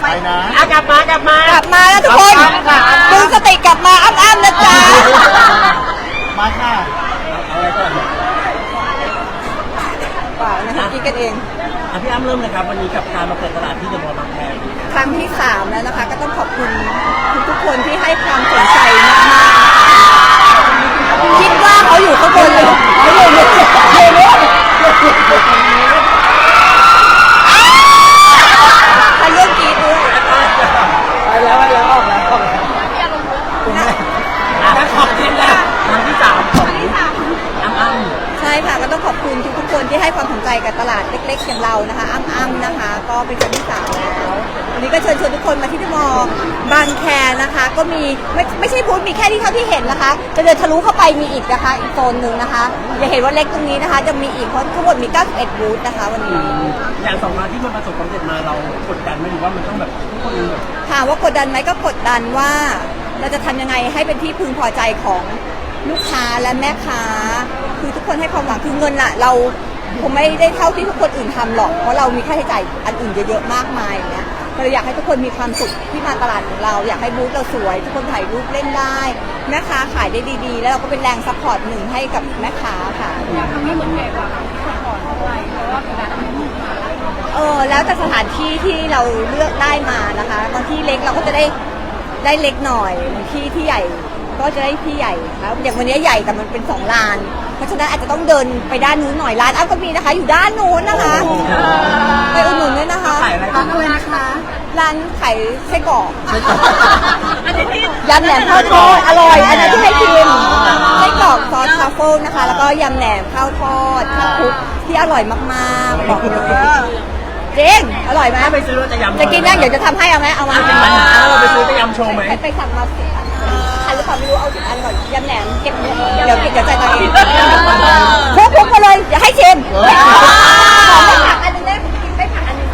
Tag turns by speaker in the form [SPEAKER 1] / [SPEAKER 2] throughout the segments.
[SPEAKER 1] ไปนะ
[SPEAKER 2] กลับมากลับ
[SPEAKER 3] แล้วทุกคนดึงสติกลับมาอ้ำนะจ๊ะ
[SPEAKER 1] มาค่ะ
[SPEAKER 2] เอาอะไรก่อน
[SPEAKER 3] เปล่านะคะคิดกันเอง
[SPEAKER 2] พี่อ้ำเริ่มเลยครับวันนี้กับการมาเปิดตลาดที่เดอะมอลล์บางแค
[SPEAKER 3] ครั้งที่3แล้วนะคะก็ต้องขอบคุณทุกคนที่ให้ความสนใจมากๆคิดว่าเขาอยู่ข้างบนเลยเขาอยู่นี่ใครเรื่องกีดด้วย
[SPEAKER 2] ไปแล้วออกแล้วขอบคุณแล้วครั้งที่3ของอ้ำ
[SPEAKER 3] ใช่ค่ะก็ต้องขอบคุณทุกคนที่ให้ความสนใจกับตลาดเล็กๆอย่างเรานะคะอ้ำนะคะก็เป็นครั้งที่3แล้ววันนี้ก็เชิญชวนทุกคนมาที่เดอะมอลล์บางแคนะคะก็มีไม่ใช่บูธมีแค่ที่เท่าที่เห็นนะคะจะเดินทะลุเข้าไปมีอีกนะคะอีกโซนหนึ่งนะคะอย่าเห็นว่าเล็กตรงนี้นะคะจะมีอีกเพราะทั้งหมดมี91บูธนะคะวันนี้
[SPEAKER 2] อย่าง2 งานที่มันประสบความสำเร็จมาเรากดดันไหมหรือว่ามันต้องแบบทุกคนแบบ
[SPEAKER 3] ถามว่ากดดันไหมก็กดดันว่าเราจะทำยังไงให้เป็นที่พึงพอใจของลูกค้าและแม่ค้าคือทุกคนให้ความหวังคือเงินอะเราคงไม่ได้เท่าที่ทุกคนอื่นทำหรอกเพราะเรามีค่าใช้จ่ายอันอื่นเยอะๆมากมายอย่างเงี้ยเราอยากให้ทุกคนมีความสุขที่มาตลาดของเราอยากให้บูธเราสวยทุกคนถ่ายรูปเล่นได้แม่ค้าขายได้ดีๆแล้วเราก็เป็นแรงซัพพอร์ตหนึ่งให้กับแม่ค้าค่ะ
[SPEAKER 4] อยากทำให้เหมือนแขกว่าก่อนอะไรเพราะว่าเป็นการทำให้ลูกค้า
[SPEAKER 3] แล้วแต่สถานที่ที่เราเลือกได้มานะคะบางที่เล็กเราก็จะได้เล็กหน่อยบางที่ที่ใหญ่ก็จะได้ที่ใหญ่ครับอย่างวันนี้ใหญ่แต่มันเป็น2 ลานเพราะฉะนั้นอาจจะต้องเดินไปด้านนู้นหน่อยร้านอ้ำก็มีนะคะอยู่ด้านนู้นนะคะไปอุดหนุนด้วยนะคะ
[SPEAKER 2] ขายอะไร
[SPEAKER 3] นะคะร้านขายไส้กรอกยำแหนมข้าวทอดอร่อยอันนั้นที่ให้ชิมไส้กรอกซอสทรัฟเฟิลนะคะแล้วก็ยำแหนมข้าวทอดข้าวคลุกที่อร่อยมากๆบอกเลยเจ๊งอร่อยไหม
[SPEAKER 2] ไปซื้อจะยำ
[SPEAKER 3] จะกินนะเดี๋ยวจะทำให้เอาไหมเอามา
[SPEAKER 2] เราไปซื้อจะยำโชว์ไหม
[SPEAKER 3] ไปสั่งมาอันหรือเปล่าไม่รู้เอา10 อันก่อนยำแหนมเก็บเดี๋ยวจ่ายตังค์พุกมาเลยอย่าให้ชิมผักอันนึงได้กินไปผักอันนึง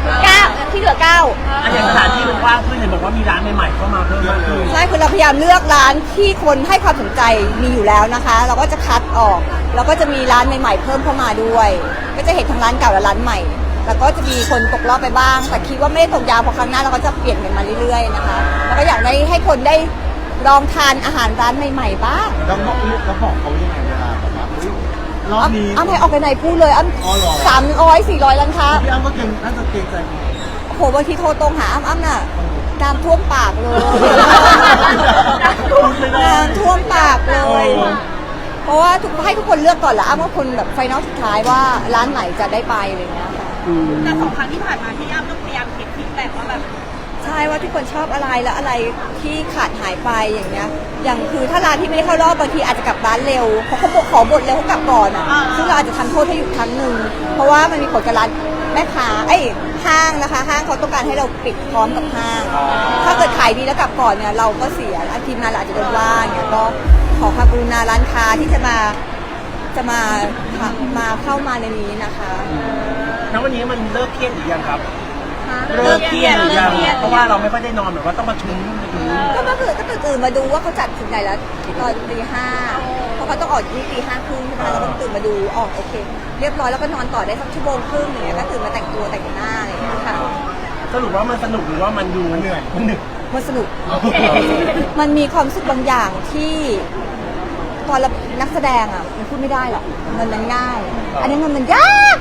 [SPEAKER 3] 9ที่เหลือ9
[SPEAKER 2] อย่างสถานที่มันกว้างขึ้นเห็นบอกว่ามีร้านใหม่ๆเข้ามาเพิ่มมากขึ้น
[SPEAKER 3] ใช่คือเราพยายามเลือกร้านที่คนให้ความสนใจมีอยู่แล้วนะคะเราก็จะคัดออกแล้วก็จะมีร้านใหม่ๆเพิ่มเข้ามาด้วยก็จะเห็นทั้งร้านเก่าและร้านใหม่แล้วก็จะมีคนตกรอบไปบ้างแต่คิดว่าไม่ได้ตกยาวเพราะครั้งหน้าเราก็จะเปลี่ยนกันมาเรื่อยๆนะคะแล้วก็อยากให้คนได้ลองทานอาหารร้านใหม่ๆบ้าง
[SPEAKER 1] แล้วบอกเขายังไงเวลาแบบว่ารอบนี้
[SPEAKER 3] อ้ำให้ออกไปไหนพูดเลยอ้ำ300-400ร้านค้า
[SPEAKER 1] พี่อ้ำก็น่าจะเกรงใจ
[SPEAKER 3] โหบางทีโทรตรงหาอ้ำน่ะน้ำท่วมปากเลยน้ำท่วมปากเลยเพราะว่าให้ทุกคนเลือกก่อนละอ้ำว่าคนแบบไฟนอลสุดท้ายว่าร้านไหนจะได้ไปอะไรเงี้ยค่ะ
[SPEAKER 4] แต่2 ครั้งที่ผ่านมาที่อ้ำก็พยายามเก็บฟีดแบ็กว่าแบบ
[SPEAKER 3] ใช่ว่าทุกคนชอบอะไรและอะไรที่ขาดหายไปอย่างเงี้ยอย่างคือถ้าร้านที่ไม่ได้เข้ารอบบางทีอาจจะกลับร้านเร็วเพราะเขาขอบทเร็วเขากลับก่อนอ่ะซึ่งเราอาจจะทำโทษให้หยุดครั้งหนึ่งเพราะว่ามันมีผลกับร้านแม่ค้าห้างนะคะห้างเขาต้องการให้เราปิดพร้อมกับห้างถ้าเกิดขายดีแล้วกลับก่อนเนี่ยเราก็เสียทีมงานเราอาจจะโดนว่าเนี่ยก็ขอความกรุณาร้านค้าที่จะมาเข้ามาในนี้นะคะ
[SPEAKER 2] แล้ววันนี้มันเลิกเครียดหรือยังครับเลิกเครียดหรือยังเพราะว่าเราไม่ค่อยได้นอนแบบว่าต้องมาชุ้ง
[SPEAKER 3] ก็ตื่นมาดูว่าเขาจัดถึงไหนแล้วตอนตี 5เพราะเขาต้องออกที่ตี 5 ครึ่งใช่ไหมเราก็ตื่นมาดูโอเคเรียบร้อยแล้วก็นอนต่อได้สัก1 ชั่วโมงครึ่งอย่างเงี้ยก็ตื่นมาแต่งตัวแต่งหน้าอะไรอย่างเงี้ยค่ะ
[SPEAKER 2] สรุปว่ามันสนุกหรือว่ามันดูเหนื่อย
[SPEAKER 3] มันสนุกมันมีความรู้สึกบางอย่างที่ตอนนักแสดงอ่ะมันพูดไม่ได้หรอกมันง่ายอันนี้มันยาก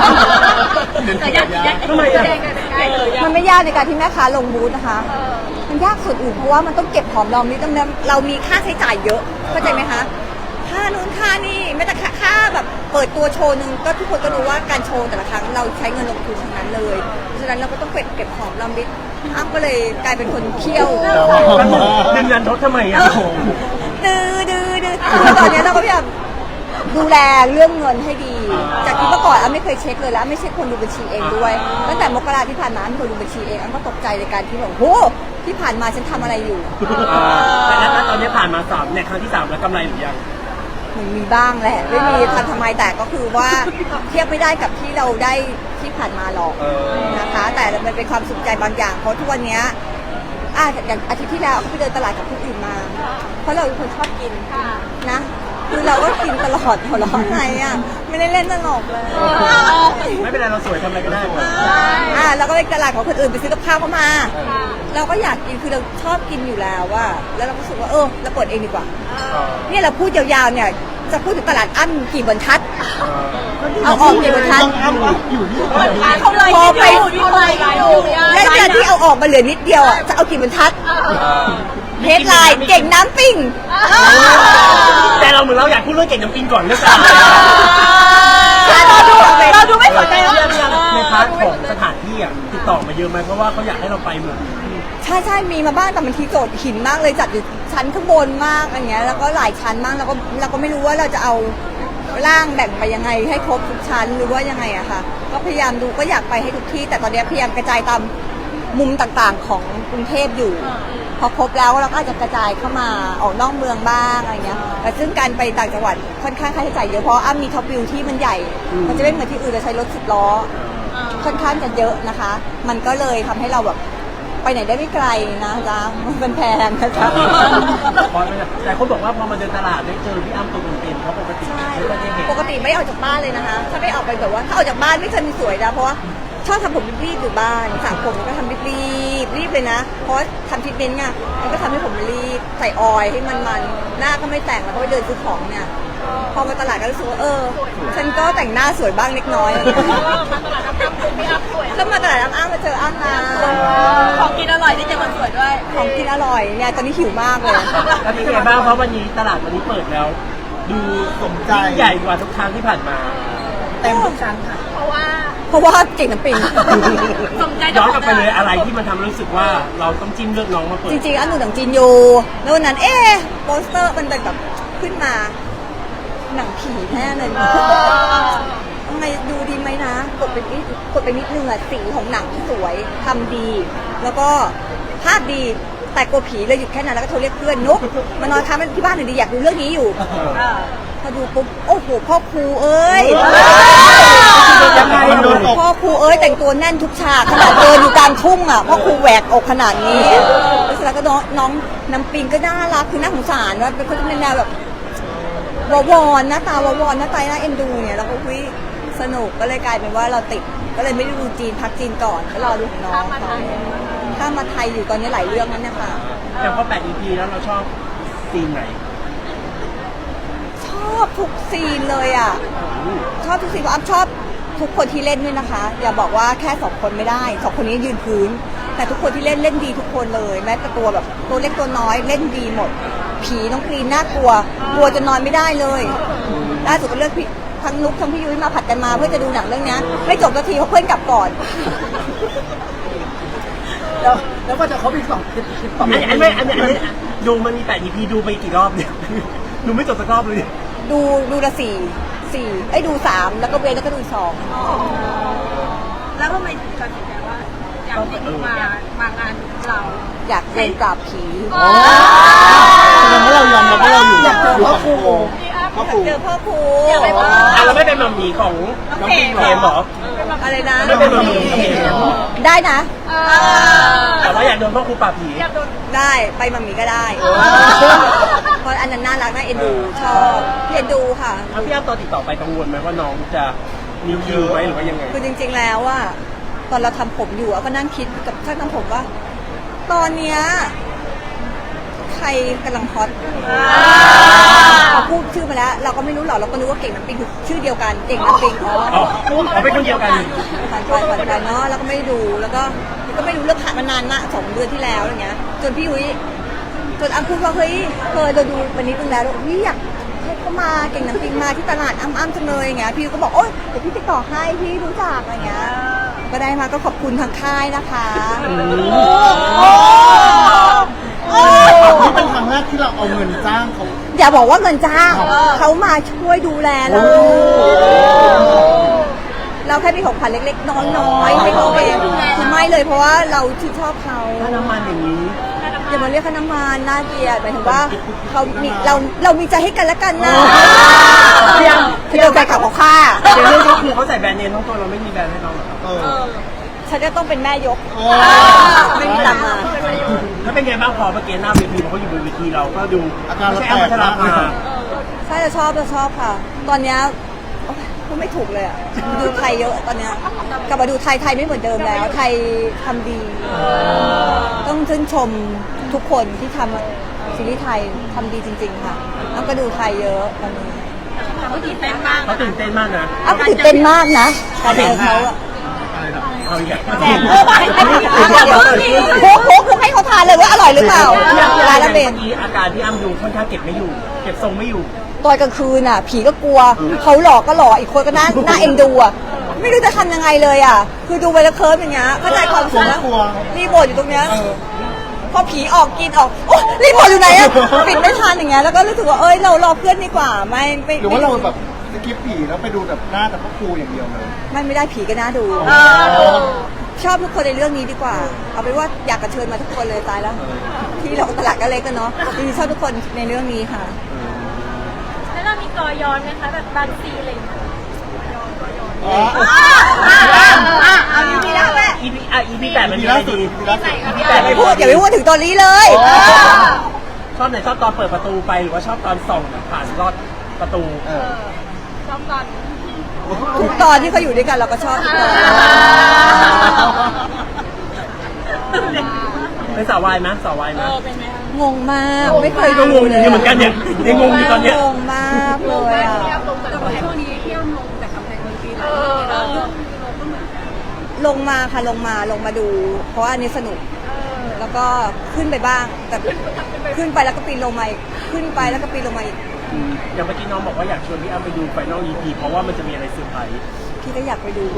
[SPEAKER 2] ทำไมอ่ะ
[SPEAKER 3] มันไม่ยากในการที่แม่ค้าลงบูธนะคะมันยากส่วนอื่นเพราะว่ามันต้องเก็บหอมรอมริบเรามีค่าใช้จ่ายเยอะเข้าใจไหมคะค่านู้นค่านี่ไม่แต่ค่าแบบเปิดตัวโชว์นึงก็ทุกคนก็รู้ว่าการโชว์แต่ละครั้งเราใช้เงินลงทุนทั้งนั้นเลยเพราะฉะนั้นเราก็ต้องเก็บหอมรอมริบอ้ำก็เลยกลายเป็นคนเคี่ยว
[SPEAKER 2] ดึงยันทดทำไมอ่ะ
[SPEAKER 3] ดื้อตอนนี้เราก็พยายามดูแลเรื่องเงินให้ดีจากที่เมื่อก่อนอ้ำไม่เคยเช็คเลยแล้วไม่ใช่คนดูบัญชีเองด้วยตั้งแต่มกราที่ผ่านมาอ้ำคนดูบัญชีเองอ้ำก็ตกใจในการที่แบบโหที่ผ่านมาฉันทำอะไรอยู่
[SPEAKER 2] แต่แล้วตอนนี้ผ่านมา3เนี่ยครั้งที่3แล้วกำไรหรือยัง
[SPEAKER 3] มันมีบ้างแหละไม่มีทำไมแต่ก็คือว่าเทียบไม่ได้กับที่เราได้ที่ผ่านมาหรอกนะคะแต่มันเป็นความสุขใจบางอย่างเพราะทุกวันนี้อย่างอาทิตย์ที่แล้วเขาไปเดินตลาดกับผู้อื่นมาเพราะเราเป็นคนชอบกินนะคือเราก็กินตลอดหัวเราะไงอ่ะไม่ได้เล่นตลกเลย
[SPEAKER 2] ไม่เป็นไรเราสวยทำอะไรก็ได้หมด
[SPEAKER 3] เราก็ไปตลาดของคนอื่นไปซื้อกับข้าวเข้ามา เราก็อยากกินคือเราชอบกินอยู่แล้วว่าแล้วเราก็รู้สึกว่าเราเปิดเองดีกว่าเนี่ยเราพูดยาวๆเนี่ยจะพูดถึงตลาดอั้นกี่บรรทัดเอาออกกี่บรรทัด
[SPEAKER 1] ต้องอ้ำอยู่ที่
[SPEAKER 4] เขาเลย
[SPEAKER 3] พอไป
[SPEAKER 4] ที่เขาเลยอยู่
[SPEAKER 3] แล้วแต่ที่เอาออกมาเหลือนิดเดียวอ่ะจะเอากี่บรรทัดเฮดไลน์เก่งน้ำปิ้ง
[SPEAKER 2] แต่เราเหมือนเราอยากพูดเรื่องเก่งน้ำปิงก่อนหรือเปล่า
[SPEAKER 3] เราดูไม่สนใจ
[SPEAKER 2] ในพาร์ทของสถานที่อ่ะติดต่อมาเยอะไหมเพราะว่าเขาอยากให้เราไปหมด
[SPEAKER 3] ใช่มีมาบ้างแต่มันทีโจทย์หินมากเลยจัดอยู่ชั้นข้างบนมากอะไรเงี้ยแล้วก็หลายชั้นมากแล้วก็ไม่รู้ว่าเราจะเอาร่างแบ่งไปยังไงให้ครบทุกชั้นหรือว่ายังไงอะค่ะก็พยายามดูก็อยากไปให้ทุกที่แต่ตอนนี้พยายามกระจายตามมุมต่างๆของกรุงเทพอยู่พอครบแล้วเราก็อาจจะกระจายเข้ามาออกนอกเมืองบ้างอะไรเงี้ยแต่ซึ่งการไปต่างจังหวัดค่อนข้างค่าใช้จ่ายเยอะเพราะมีท็อปวิวที่มันใหญ่มันจะไม่เหมือนที่อื่นเราใช้รถ10 ล้อค่อนข้างจะเยอะนะคะมันก็เลยทำให้เราแบบไปไหนได้ไม่ไกลนะจ๊ะมันแพงนะจ๊ะ
[SPEAKER 2] แต่คนบอกว่าพอมาเดินตลาดได้เจอพี่อ้ำตัวเป็นๆเพราะปกติไม่ค่อยได้เห็น
[SPEAKER 3] ปกติไม่ออกจากบ้านเลยนะคะถ้าไม่ออกไปแบบว่าถ้าออกจากบ้านไม่เคยมีสวยนะเพราะว่าชอบทำผมรีบๆอยู่บ้านสระผมก็ทำรีบเลยนะเพราะทำทรีทเมนต์ไงมันก็ทำให้ผมรีบใส่ออยล์ให้มันหน้าก็ไม่แต่งแล้วก็ไปเดินซื้อของเนี่ยพอมาตลาดก็รู้สึกว่าฉันก็แต่งหน้าสวยบ้างเล็กน้อย ก็มาตลาดอ้ำมาเจออ้ำนะ
[SPEAKER 4] ของกินอร่อยได้เจอคนสวยด้วย
[SPEAKER 3] ของกินอร่อยเนี่ยตอนนี้หิวมากเลย
[SPEAKER 2] แล้วเป็นไงบ้างเพราะวันนี้ตลาดวันนี้เปิดแล้ว ดู
[SPEAKER 1] สมใจ
[SPEAKER 2] ยิ่งใหญ่กว่าทุกครั้งที่ผ่านมาเต็มทุกชั้นค่ะ
[SPEAKER 4] เพราะว่า
[SPEAKER 3] เพราะว่าเก่งน้ำปิง
[SPEAKER 4] สมใจ
[SPEAKER 2] ย้อนกลับไปเลยอะไรที่มันทำให้รู้สึกว่าเราต้องจิ้มเลือกน้องมาเปิด
[SPEAKER 3] จริงๆอันหนูหนังจีนอยู่แล้ววันนั้นโปสเตอร์มันเป็นแบบขึ้นมาหนังผีแน่เลยทำไมดูดีไหมนะกดไปนิดนึงอะสีของหนังสวยทำดี แล้วก็ภาพดีแต่กลัวผีเลยหยุดแค่นั้นแล้วก็โทรเรียกเพื่อนนุ๊กมานอนค้างที่บ้านหน่อยดีอยากดูเรื่องนี้อยู่พอดูปุ๊บโอ้โหพ่อครูเอ้ย
[SPEAKER 2] ยังไง
[SPEAKER 3] พ่อครูเอ้ยแต่งตัวแน่นทุกฉากขนาดเดินอยู่กลางทุ่งอ่ะพ่อครูแหวกอกขนาดนี้แล้วก็น้องน้ำปิงก็น่ารักคือน่าสงสารว่าเป็นคนที่เป็นแนวแบบวอนหน้าตาวอนหน้าตาน่าเอ็นดูเนี่ยแล้วก็คุยสนุกก็เลยกลายเป็นว่าเราติดก็เลยไม่ได้ดูจีนพักจีนก่อนก็รอดูของน้องเขาถ้ามาไทยอยู่ตอนนี้หลายเรื่องนั้นเนี่ยค่ะ
[SPEAKER 2] แต่พอ8 EP แล้วเราชอบซีนไหน
[SPEAKER 3] ชอบทุกซีนเลยอ่ะชอบทุกซีนเพราะอ้ำชอบทุกคนที่เล่นด้วยนะคะอย่าบอกว่าแค่2 คนไม่ได้2 คนนี้ยืนพื้นแต่ทุกคนที่เล่นดีทุกคนเลยแม้แต่ตัวแบบตัวเล็กตัวน้อยเล่นดีหมดผีน้องกรีนน่ากลัวจนนอนไม่ได้เลยล่าสุดก็เลือกพี่ทั้งนุ๊กทั้งพี่ยุ้ยมาผัดกันมาเพื่อจะดูหนังเรื่องนี้ไม่จบนาทีเพราะเพื่อนกลับก่อน
[SPEAKER 1] แล้วก็จะเขาอีก2 คลิปต่อ
[SPEAKER 2] อันนี้ดูมันมี8 EP ดูไปกี่รอบเนี่ย ดูไม่จบสักรอบเลย
[SPEAKER 3] ดูละ4ดู3แล้วก็เว้นแล้วก็ดูอีก2
[SPEAKER 4] แล้วทำไมถึงตัดสินใจว่าอยากให้มางานเรา
[SPEAKER 3] อยากเล่นปราบผี
[SPEAKER 1] แสดงว่าเรายอมรับว่าเราอยู่กับพ่อครู
[SPEAKER 3] เจอพ่อครู
[SPEAKER 2] เราไม่เป็นมัมมี่ของน้องพิมเกมหรอ
[SPEAKER 3] อะไรนะ
[SPEAKER 2] ไม่เป็นมัมมี่เกม
[SPEAKER 3] ได้นะ
[SPEAKER 2] แต่ว่าอยากโดนพ่อครูปราบผี
[SPEAKER 3] ได้ไปมัมมี่ก็ได้เพราะอันนั้นน่ารักน่าเอ็นดูชอบเอ็นดูค่ะ
[SPEAKER 2] ถ้าพี่อ้ำตอนติดต่อไปกังวลไหมว่าน้องจะมีคิวไหมหรือว่ายังไง
[SPEAKER 3] คือจริงๆแล้วอะตอนเราทำผมอยู่ก็นั่งคิดกับช่างทำผมว่า ตอนเนี้ยใครกำลังฮอตเขาพูดชื่อมาแล้ว เราก็ไม่รู้หรอกเราก็นึกว่าเก่งน้ำปิงคือชื่อเดียวกันเก่งน้ำปิง
[SPEAKER 2] เป็นคนเดียวกัน
[SPEAKER 3] ผ่านไปเนาะแล้วก็ไม่ดูแล้วก็ไม่รู้เรื่องผ่านมานานมาก2 เดือนที่แล้วอะไรเงี้ยจนพี่ยุ้ยจนอ้ำพูดว่าเฮ้ยเราดูวันนี้ตึงแล้วพี่อยากให้เขามาเก่งน้ำปิงมาที่ตลาดอ้ำจังเลยอย่างเงี้ยพี่ก็บอกโอ๊ยเดี๋ยวพี่ติดต่อให้พี่รู้จักอะไรเงี้ยก็ได้มาก็ขอบคุณทางค่ายนะคะ
[SPEAKER 1] นี่เป็นครั้งแรกที่เราเอาเงินจ้างเขา
[SPEAKER 3] อย่าบอกว่าเงินจ้างเขามาช่วยดูแลเราแค่มีของขวัญเล็กๆน้อยๆให้เขาเองคือไม่เลยเพราะว่าเราชื่นชอบเขา
[SPEAKER 2] ถ้าน้ำมันอย่างนี้
[SPEAKER 3] อย่ามาเรียกค่าน้ำมันน่าเกลียดหมายถึงว่าเขามีเรามีใจให้กันและกันนะคือเราใจขับของข้า
[SPEAKER 2] เดี๋ยวเรื่องก็คือเขาใส่แบรนด์เนมทั้งตัวเราไม่มีแบรนด์ให้น้องหรอครับ
[SPEAKER 3] ฉันจะต้องเป็นแม่ยกไม่มีตังค์มา
[SPEAKER 2] แล้วเป็นไงบ้างพอเมื่อกี้หน้าเวทีเขาอยู่บนเวทีเราก็ดู
[SPEAKER 1] อาการเรา
[SPEAKER 2] ไม่ใช่
[SPEAKER 1] แต
[SPEAKER 2] อัม
[SPEAKER 1] ก
[SPEAKER 2] พัชราภา
[SPEAKER 3] ใช่ถ้าจะชอบค่ะ ตอนเนี้ยโอ๊ยพูดไม่ถูกเลยอ่ะดูไทยเยอะตอนเนี้ยกลับมาดูไทยไม่เหมือนเดิมแล้ว ไทยทำดี ต้องชื่นชมทุกคนที่ทำซีรีส์ไทยทำดีจริง ๆ ค่ะแล้วก็ดูไทยเยอะตอนนี้
[SPEAKER 4] เขาตื่นเต้นมาก
[SPEAKER 2] เขาตื่นเต้นมากนะ
[SPEAKER 3] อ้าวตื่นเต้นมากนะการเจอเขาอะ
[SPEAKER 1] อะไรนะ
[SPEAKER 2] เอาอีกแล้ว
[SPEAKER 3] แจกโค้กให้เขาทานเลยว่าอร่อยหรือเปล่าร้านละเบน
[SPEAKER 2] เมื่อกี้อาการที่อ้ำดูค่อนข้างเก็บไม่อยู่ เก็บทรงไม่อยู่
[SPEAKER 3] ตอนกลางคืนอ่ะ ผีก็กลัวเขาหลอกก็หลอกอีกคนก็น่าเอ็นดูอ่ะไม่รู้จะทำยังไงเลยอ่ะคือดูไปแล้วเคิร์ฟอย่างเงี้ยเข้าใจความรู้สึกนะรีโมทอยู่ตรงเนี้ยพอผีออกกินออกโอ้รีโมทอยู่ไหนอ่ะปิดไม่ทันอย่างเงี้ยแล้วก็รู้สึกว่าเอ้ยเรารอเพื่อนดีกว่าไม่
[SPEAKER 1] หรือว่าเราแบบสกิปผีแล้วไปดูแบบหน้าแต่พระครูอย่างเดียวเลย
[SPEAKER 3] ไม่ได้ผีก็น่าดูชอบทุกคนในเรื่องนี้ดีกว่า เอาเป็นว่าอยากกระเชิญมาทุกคนเลยตายแล้วที่เราตลาดก็เล็กกันเนาะจริงๆชอบทุกคนในเรื่องนี้ค่ะ
[SPEAKER 4] แล้วเรามีกอย้อนไหมคะแบบบางซีอะไรอย่างเงี้ย
[SPEAKER 3] เอาดีๆแล้วแม่
[SPEAKER 2] EP 8มันมีอะไรดี EP 8
[SPEAKER 3] ไม่พูดอย่าไปพูดถึงตอนนี้เลย
[SPEAKER 2] ชอบไหนชอบตอนเปิดประตูไปหรือว่าชอบตอนส่องผ่านลอดประตู
[SPEAKER 4] ชอบตอน
[SPEAKER 3] ทุกตอนที่เขาอยู่ด้วยกันเราก็ชอบทุกตอน
[SPEAKER 2] เป็นสาววายไหมสาววายไหม
[SPEAKER 4] เป็นไหมคะ
[SPEAKER 3] งงมากไม่เคย
[SPEAKER 2] ก็
[SPEAKER 3] ดู
[SPEAKER 2] งง
[SPEAKER 3] เลย
[SPEAKER 2] อยู่เหมือนกันเนี่ยยังงงอยู่ตอนเนี้ย
[SPEAKER 3] งงมากเลยอ่ะ
[SPEAKER 4] แต่ช่วงนี้เที่ยวลงแต่กำแพงเมืองจีน
[SPEAKER 3] ลงมาค่ะลงมาดู เพราะว่าอันนี้สนุกแล้วก็ขึ้นไปบ้างแต่ขึ้นไปแล้วก็ปีนลงมาอีกขึ้นไปแล้วก็ปีนลงมาอีก
[SPEAKER 2] อย่างเมื่อกี้น้องบอกว่าอยากชวนพี่อ้ำไปดูไฟนอล EP เพราะว่ามันจะมีอะไรเซอร์ไพรส์
[SPEAKER 3] พี่ก็อยากไปดู
[SPEAKER 1] โอ้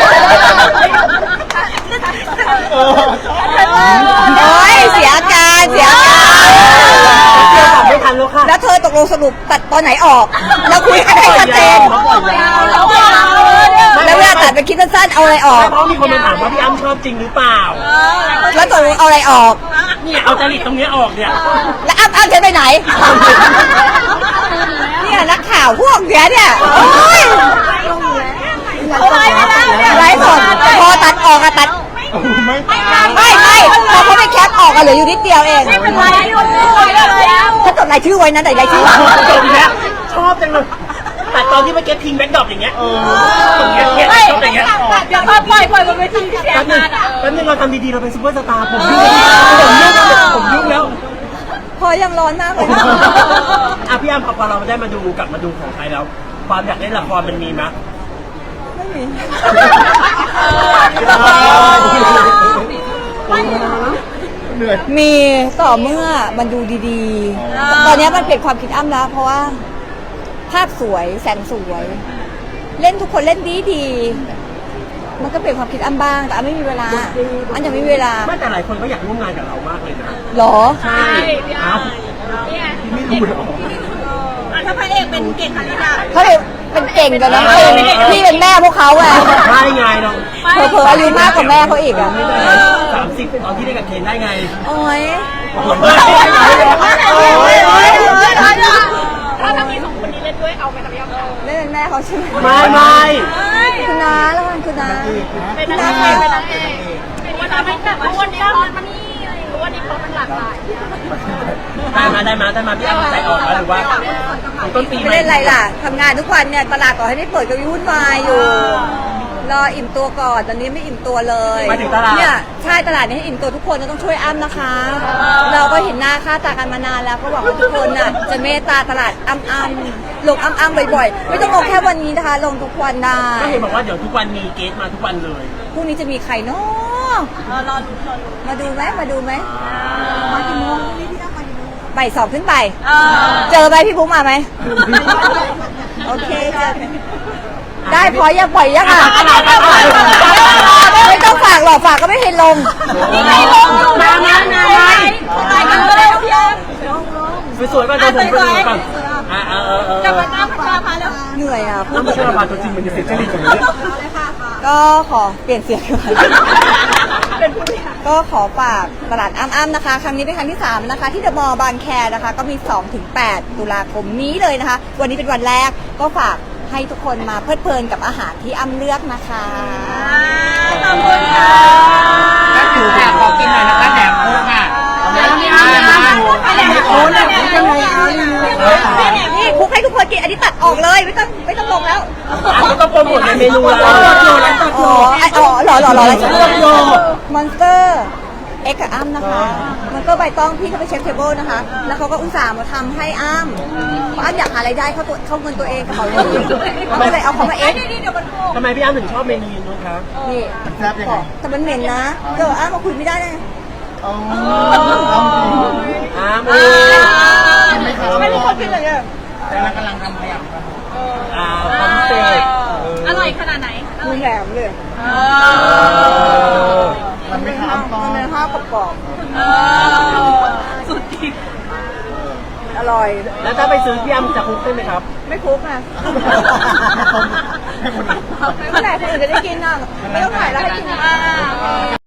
[SPEAKER 3] โอ้ยเสียอาการเสียอาการ
[SPEAKER 2] เดี๋ยวตอบไม่ทันแล้วค่ะ
[SPEAKER 3] แล้วเธอตกลงสรุปตัดตอนไหนออกแล้วคุยกันให้ชัดเจนแล้วเวลาตัดไปคิดสั้นๆเอาอะไรออก
[SPEAKER 2] เพราะมีคนมาถามว่าพี่อ้ำชอบจริงหรือเปล่า
[SPEAKER 3] แล้วตกลงเอาอะไรออก
[SPEAKER 2] เนี่ยเอาจริตตรงเนี้ยออกเนี่ย
[SPEAKER 3] แล้วอ้ำจะไปไหนเนี่ยนักข่าวพวกเนี้ยเนี่ยโอ้ยไลฟ์สดพอตัดออกอะตัด
[SPEAKER 1] ไม่
[SPEAKER 3] ไม่พอเขาไปแคปออกอะเหลืออยู่นิดเดียวเอง
[SPEAKER 4] เป็นไรแล้ว
[SPEAKER 3] ถ้าจดรายชื่อไว้นะแต่รายชื่อ
[SPEAKER 2] จบแล้วชอบจังเลยแต่ตอนที่เมื่อกี้ทิ้งแบ็คดรอปอย่างเงี้ยตรงเนี้ยชอบอย่างเงี้ย
[SPEAKER 4] เดี๋ยวปล่อยบนเวทีเสีย
[SPEAKER 2] แป๊บนึง
[SPEAKER 4] งานอ่ะ
[SPEAKER 2] แป๊บนึงเราทำดีๆเราเป็นซูเปอร์สตาร์ผมยุ่งแล้ว
[SPEAKER 3] พอยังร้อนมากเลย
[SPEAKER 2] อ่ะพี่อ้ำพอเราได้มาดูกลับมาดูของไทยแล้ว ความอยากเล่นละครมันมีไหม
[SPEAKER 3] ไม่มี
[SPEAKER 1] เหนื่อย
[SPEAKER 3] มีต่อเมื่อมันดูดีๆ ตอนนี้มันเปลี่ยนความคิดอ้ำแล้ว เพราะว่าภาพสวยแสงสวย เล่นทุกคนเล่นดีๆ มันก็เปลี่ยนความคิดอ้ำบ้างแต่อ้ำไม่มีเวลาอ้ำยังไม่มีเวลา
[SPEAKER 2] ไม่แต่หลายคนก็อยากร่วมงานกับเรามากเลยนะ
[SPEAKER 3] หรอ
[SPEAKER 2] ใช่เอ้า
[SPEAKER 4] เนี่ย
[SPEAKER 2] พี่ไม่รู้หรอ
[SPEAKER 4] ถ้าพระเอกเป็นเก่งขนาดนี้
[SPEAKER 3] เขาเลยเป็นเก่งกันนะพี่เป็นแม่พวกเขาไง
[SPEAKER 2] ใช่ไงเรา
[SPEAKER 3] เผลอๆอายุมากกว่าแม่เขาอีกอ่ะ
[SPEAKER 2] 30ตอนที่ได้กับเคนได้ไง
[SPEAKER 3] โอ้ย
[SPEAKER 4] ถ้ามีสองคนนี้เล่นด้วยเอาไปทำยังไง
[SPEAKER 3] เล่นเป็นแม่เขาใช่ไหม
[SPEAKER 2] ไม่
[SPEAKER 3] คุณน้าแล้วกันคุณน้า
[SPEAKER 4] เป็นนางเอกเป็นนางเอกเป็นวันนั้นแบบวันนี้มันนี่วันนี้เขามันหลากหลาย
[SPEAKER 2] ได้มาพี่อ้ำใจอ่อนแล้วหรือว่าต้นปี
[SPEAKER 3] ไม่เล่นอะไรล่ะทำงานทุกวันเนี่ยตลาดต่อให้ไม่เปิดก็ยุ่งวายอยู่ รออิ่มตัวก่อนตอนนี้ไม่อิ่มตัวเลย
[SPEAKER 2] มาถึงตลาด
[SPEAKER 3] เนี่ยใช่ตลาดนี้ให้อิ่มตัวทุกคนต้องช่วยอ้ำนะคะ เราก็เห็นหน้าค่าตากันมานานแล้วก็หวังว่าทุกคนน่ะจะเมตตาตลาดอ้ำลงอ้ำบ่อยๆไม่ต้องลงแค่วันนี้นะคะ ลงทุกวันได้
[SPEAKER 2] ก็เห็นบอกว่าเดี๋ยวทุกวันมีเกสมาทุกวันเลย
[SPEAKER 3] พรุ่งนี้จะมีใครเนาะมาดูไหมมากี่โมงบ่ายสองขึ้นไปเจอไหมพี่บุ๊กมาไหมโอเคเจอได้พอยังปล่อยยังอ่ะไม่ต้องฝากหรอกฝากก็ไม่เห็นลง
[SPEAKER 2] มา
[SPEAKER 4] ไปกันเลยพี่อ้ำ
[SPEAKER 2] สวยๆก่อนเดี๋ยวผมไปดูก่อน
[SPEAKER 4] จะมาตั้งพาพาแล้ว
[SPEAKER 3] เหนื่อยอ่ะ
[SPEAKER 2] น้ำมันเชื่อมาตัวจริงมันจะเสียจริตตรงนี้
[SPEAKER 3] ก็ขอเปลี่ยนเสียงก่อนก็ขอฝากตลาดอ้ำๆนะคะ ครั้งนี้เป็นครั้งที่3นะคะที่เดอะมอลล์บางแคนะคะ ก็มี 2-8 ตุลาคมนี้เลยนะคะ วันนี้เป็นวันแรกก็ฝากให้ทุกคนมาเพลิดเพลินกับอาหารที่อ้ำเลือกนะคะ
[SPEAKER 4] ขอบคุณค่ะ
[SPEAKER 1] ถ้าอยู่ค่ะขอกินหน่อยนะคะแหนมโค้งค่ะ
[SPEAKER 3] นี่คลุกให้ทุกคน
[SPEAKER 2] เมนูละ
[SPEAKER 3] อ๋อหรออะไร
[SPEAKER 2] เลือกโย
[SPEAKER 3] มอนสเตอร์เอ็กกับอ้ำนะคะมอนสเตอร์ใบตองพี่เขาไปเช็คเทเบิลนะคะ แล้วเขาก็อุตส่าห์มาทำให้อ้ำเพราะอ้ำอยากหารายได้เข้าเงินตัวเองกระเป๋าเงินเขาก็เลยเอาเขามาเอ็ก
[SPEAKER 2] ทำไมพี่อ้ำถึงชอบเมนูนู้นครับ
[SPEAKER 3] นี่
[SPEAKER 1] มันแซ่บยังไง
[SPEAKER 3] แต่มันเหม็นนะเดี๋ยวอ้ำมาคุยไม่ได้เลย
[SPEAKER 1] เอาเอาจริง
[SPEAKER 2] อ้ำ
[SPEAKER 1] ไม่ครับ
[SPEAKER 3] ไม่มีคนกินเลยเนี่ย
[SPEAKER 1] แต่เรากำลังทำขยำครับ
[SPEAKER 2] ความพิเศษ
[SPEAKER 4] อร่อยขนาดไหน
[SPEAKER 3] มือแหลมเลย
[SPEAKER 1] มันไม่ครับต้อง
[SPEAKER 3] มันเป็นข้าวกรอบ
[SPEAKER 4] สุดจริง
[SPEAKER 3] ๆอร่อย
[SPEAKER 2] แล้วถ้าไปซื้อพี่อ้ำจะคลุกได้ไหมครับ
[SPEAKER 3] ไม่คลุกนะ
[SPEAKER 1] ให้คนอื่น
[SPEAKER 3] เมื่อไหร่คนอื่นจะได้กินอ่ะไม่ต้องถ่ายแล้วให้กินอ่ะ